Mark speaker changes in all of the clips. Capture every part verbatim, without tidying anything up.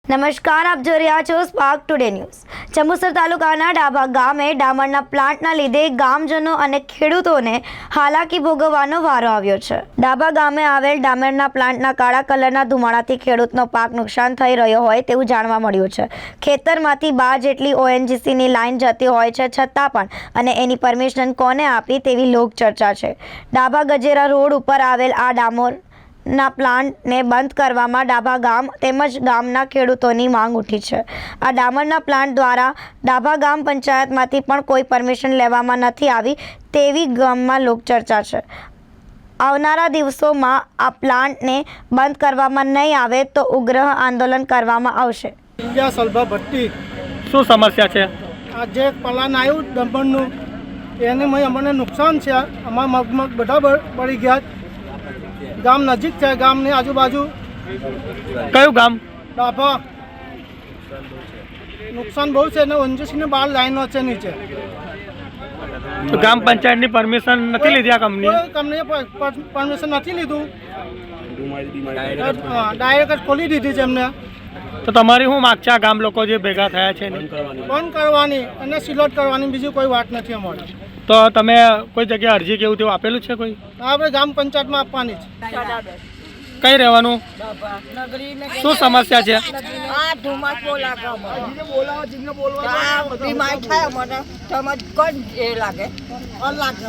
Speaker 1: નમસ્કાર, આપ જોઈ રહ્યા છો સ્પાર્ક ટુડે ન્યૂઝ। જંબુસર તાલુકાના ડાભા ગામે ડામરના પ્લાન્ટના લીધે ગામજનો અને ખેડૂતોને હાલાકી ભોગવવાનો વારો આવ્યો છે। ડાભા ગામે આવેલ ડામરના પ્લાન્ટના કાળા કલરના ધુમાડાથી ખેડૂતનો પાક નુકસાન થઈ રહ્યો હોય તેવું જાણવા મળ્યું છે। ખેતરમાંથી બાર જેટલી ઓએનજીસીની લાઇન જતી હોય છે, છતાં પણ અને એની પરમિશન કોને આપી તેવી લોક ચર્ચા છે। ડાભા ગજેરા રોડ ઉપર આવેલ આ ડામર ના પ્લાન્ટને બંધ કરવામાં ડાભા ગામ તેમજ ગામના ખેડૂતોની માંગ ઉઠી છે। આ ડામરના પ્લાન્ટ દ્વારા ડાભા ગામ પંચાયતમાંથી પણ કોઈ પરમિશન લેવામાં નથી આવી તેવી ગામમાં લોકચર્ચા છે। આવનારા દિવસોમાં આ પ્લાન્ટને બંધ કરવામાં નહીં આવે તો ઉગ્ર આંદોલન કરવામાં આવશે।
Speaker 2: ઇન્ડિયા સલભા ભટ્ટી
Speaker 3: શું સમસ્યા છે?
Speaker 2: આ જે પ્લાન આવ્યું ડમ્પરનું એને મેં અમને નુકસાન છે। અમારા મગમગ બધા બળી ગયા। ગામ નજીક છે, ગામની આજુબાજુ
Speaker 3: કયું ગામ?
Speaker 2: ડાભા। નુકસાન બહુ છે ને ઓએનજીસીની બાર લાઈનો છે નીચે।
Speaker 3: તો ગામ પંચાયતની પરમિશન નથી લીધી આ કંપની?
Speaker 2: કોઈ કંપનીએ પરમિશન નથી લીધું, ડાયરેક્ટ જ ખોલી દીધી છે એમને।
Speaker 3: તો તમારી શું માગ છે આ ગામ લોકો જે ભેગા થયા છે?
Speaker 2: બંધ કરવાની અને સિલોટ કરવાની, બીજી કોઈ વાત નથી અમારી।
Speaker 3: તો તમે કોઈ જગ્યાએ અરજી કેવું તેવું આપેલું છે કોઈ?
Speaker 2: આપણે ગામ પંચાયતમાં આપવાની છે।
Speaker 3: કઈ રહેવાનું? શું સમસ્યા છે?
Speaker 4: આ ધુમાસ બોલા બીમાર થાય મને સમજ કોણ એ લાગે લાગે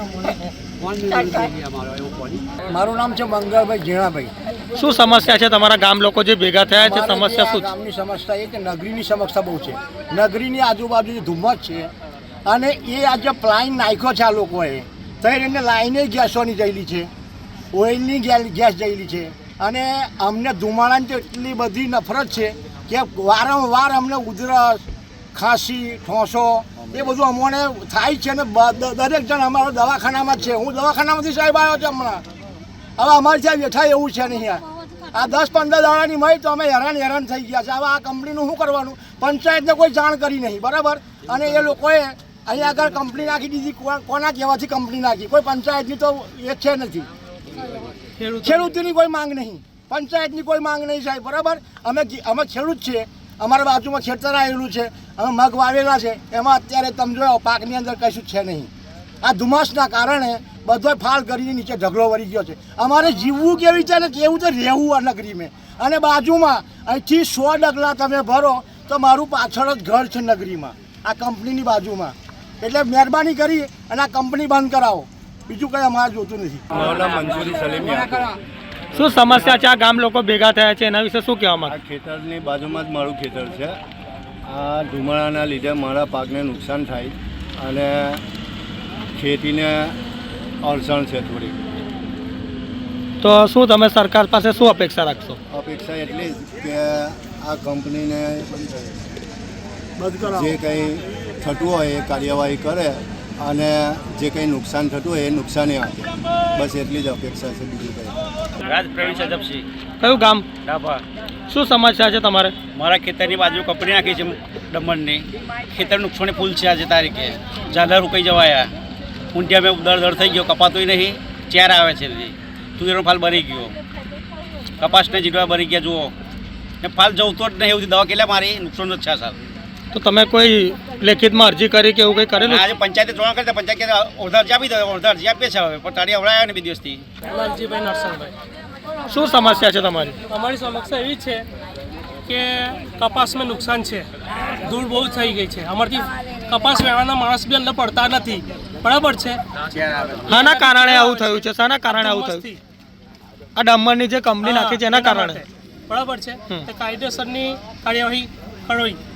Speaker 5: મારું નામ છે મંગળભાઈ ઝીણાભાઈ।
Speaker 3: શું સમસ્યા છે તમારા ગામ લોકો જે ભેગા થયા છે? સમસ્યા શું છે?
Speaker 5: ગામની સમસ્યા એ કે નગરીની સમસ્યા બહુ છે। નગરીની આજુબાજુ જે ધુમ્મસ છે અને એ આજે પ્લાઇન નાખ્યો છે આ લોકોએ, તો એને લાઈને ગેસોની જયેલી છે, ઓઇલની ગેસ જયેલી છે અને અમને ધુમાડાની તો એટલી બધી નફરત છે કે વારંવાર અમને ઉધરસ, ખાંસી, ઠોંસો એ બધું અમને થાય છે અને દરેક જણ અમારો દવાખાનામાં જ છે। હું દવાખાનામાંથી સાહેબ આવ્યો છું હમણાં। હવે અમારે ત્યાં બેઠા એવું છે નહીં। આ દસ પંદર દાડાની મળી તો અમે હેરાન હેરાન થઈ ગયા છે। હવે આ કંપનીનું શું કરવાનું? પંચાયતને કોઈ જાણ કરી નહીં, બરાબર? અને એ લોકોએ અહીંયા આગળ કંપની નાખી દીધી। કોના કહેવાથી કંપની નાખી? કોઈ પંચાયતની તો એ છે નથી, ખેડૂતોની કોઈ માંગ નહીં, પંચાયતની કોઈ માંગ નહીં સાહેબ, બરાબર? અમે અમે ખેડૂત છીએ, અમારા બાજુમાં ખેતર આવેલું છે, અમે મગ વાવેલા છે, એમાં અત્યારે તમે જોયો પાકની અંદર કશું છે નહીં। આ ધુમ્મસના કારણે બધો ફાલ કરીને નીચે ઢગલો વળી ગયો છે। અમારે જીવવું કેવી છે ને કેવું તો રહેવું આ નગરીમાં। અને બાજુમાં અહીંથી સો ડગલા તમે ભરો તો મારું પાછળ જ ઘર છે નગરીમાં, આ કંપનીની બાજુમાં। એટલે મહેરબાની કરી અને આ કંપની બંધ કરાવો, બીજું કંઈ અમારે જોતું નથી।
Speaker 3: શું સમસ્યા છે? આ ગામ લોકો ભેગા થયા છે એના વિશે શું કહેવા માંગે?
Speaker 6: આ ખેતરની બાજુમાં જ મારું ખેતર છે। આ ધુમાડાના લીધે મારા પાકને નુકસાન થાય અને ખેતીને અડચણ છે થોડી।
Speaker 3: તો શું તમે સરકાર પાસે શું અપેક્ષા રાખશો?
Speaker 6: અપેક્ષા એટલી જ કે આ કંપનીને જે કંઈ થતું હોય એ કાર્યવાહી કરે અને જે કંઈ નુકસાન થતું હોય એ નુકસાની આપે, બસ એટલી જ અપેક્ષા છે, બીજું કંઈ।
Speaker 7: રાજ પ્રવીણ સજપસિંહ,
Speaker 3: કયું ગામ?
Speaker 7: ડાભા।
Speaker 3: શું સમસ્યા છે તમારે?
Speaker 7: મારા ખેતરની બાજુ કંપની નાખી છે ડમણની, ખેતર નુકસાની ફૂલ છે આજે તારીખે, ઝાલા રૂકાઈ જવાયા, ઊંટિયા મેં દર દર થઈ ગયો, કપાતોય નહીં, ચેર આવે છે, તુવેરનો ફાલ બરી ગયો, કપાસને જીડવા બરી ગયા, જુઓ ને ફાલ જવતો જ નહીં, એવું દવા કેટલા મારી નુકસાન જ છે સર।
Speaker 3: તો તમે કોઈ લેખિતમાં અરજી કરી કે એવું કંઈ કરેલું?
Speaker 7: આજે પંચાયતે જોવા કરતા પંચાયત ઓરધા અરજી આપી દો, ઓરધા અરજી આપીએ છે હવે, પણ તારી અવડાયા ને બે દિવસથી।
Speaker 8: લાલજીભાઈ નરસણભાઈ,
Speaker 3: શું સમસ્યા છે તમારી?
Speaker 8: અમારી સમસ્યા એવી છે કે કપાસમાં નુકસાન છે, ધૂળ બહુ થઈ ગઈ છે, અમારથી કપાસ વેવાના માણસ બી અંદર પડતા નથી, બરાબર છે?
Speaker 3: શાના કારણે આવું થયું છે? શાના કારણે આવું થયું? આ ડામરની જે કંપની નાખી છે એના કારણે,
Speaker 8: બરાબર છે? તે કાયદેસરની કાર્યવાહી કરવી।